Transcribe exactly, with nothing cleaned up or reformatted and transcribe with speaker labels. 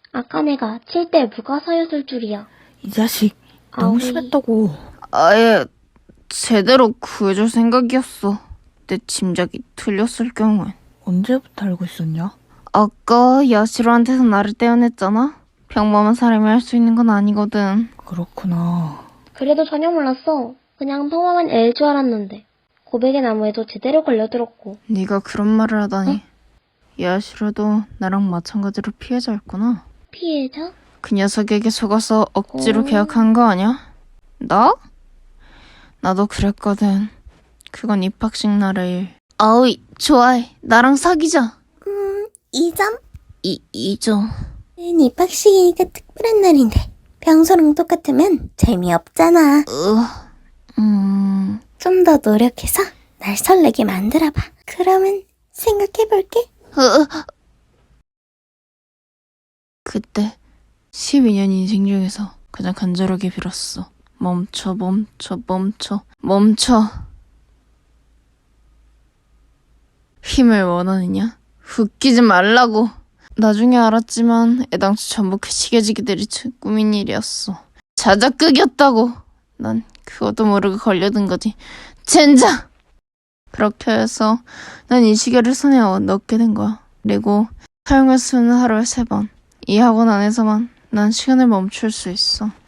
Speaker 1: 아까 내가 칠 때 무가사였을 줄이야.
Speaker 2: 이 자식 너무
Speaker 1: 아우이.
Speaker 2: 심했다고.
Speaker 3: 아예 제대로 구해줄 생각이었어. 내 짐작이 틀렸을 경우엔.
Speaker 2: 언제부터 알고 있었냐?
Speaker 3: 아까 야시로한테서 나를 떼어냈잖아? 평범한 사람이 할 수 있는 건 아니거든.
Speaker 2: 그렇구나.
Speaker 1: 그래도 전혀 몰랐어. 그냥 평범한 애일 줄 알았는데. 고백의 나무에도 제대로 걸려들었고.
Speaker 3: 네가 그런 말을 하다니. 야시로도 나랑 마찬가지로 피해자였구나.
Speaker 1: 피해자?
Speaker 3: 그 녀석에게 속아서 억지로
Speaker 1: 어.
Speaker 3: 계약한 거 아니야? 나? 나도 그랬거든. 그건 입학식 날의 일. 아우이, 좋아해. 나랑 사귀자.
Speaker 4: 이 점?
Speaker 3: 이, 이죠.
Speaker 4: 입학식이니까 특별한 날인데 평소랑 똑같으면 재미없잖아.
Speaker 3: 으, 음...
Speaker 4: 좀 더 노력해서 날 설레게 만들어봐. 그러면 생각해볼게.
Speaker 3: 으, 그때 십이 년 인생 중에서 가장 간절하게 빌었어. 멈춰, 멈춰, 멈춰, 멈춰. 힘을 원하느냐? 웃기지 말라고. 나중에 알았지만 애당초 전부 그 시겨지기들이 꾸민 일이었어. 자작극이었다고. 난 그것도 모르고 걸려든 거지. 젠장! 그렇게 해서 난 이 시계를 손에 넣게 된 거야. 그리고 사용할 수는 하루에 세 번. 이 학원 안에서만 난 시간을 멈출 수 있어.